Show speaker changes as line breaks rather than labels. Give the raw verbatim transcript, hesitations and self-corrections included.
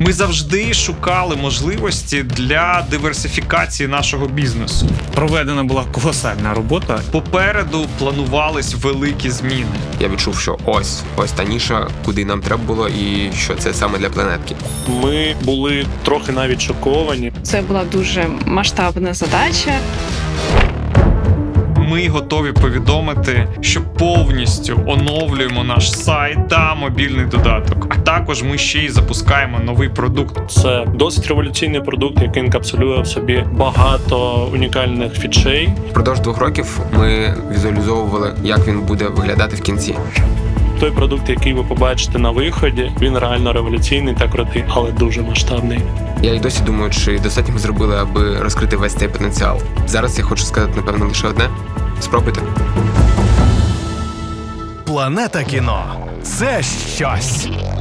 Ми завжди шукали можливості для диверсифікації нашого бізнесу.
Проведена була колосальна робота.
Попереду планувались великі зміни.
Я відчув, що ось, ось та ніша, куди нам треба було, і що це саме для планетки.
Ми були трохи навіть шоковані.
Це була дуже масштабна задача.
Ми готові повідомити, що повністю оновлюємо наш сайт та мобільний додаток. А також ми ще й запускаємо новий продукт.
Це досить революційний продукт, який інкапсулює в собі багато унікальних фічей.
Впродовж двох років ми візуалізовували, як він буде виглядати в кінці.
Той продукт, який ви побачите на виході, він реально революційний та крутий, але дуже масштабний.
Я й досі думаю, чи достатньо ми зробили, аби розкрити весь цей потенціал. Зараз я хочу сказати, напевно, лише одне. Спробуйте.
Планета кіно – це щось.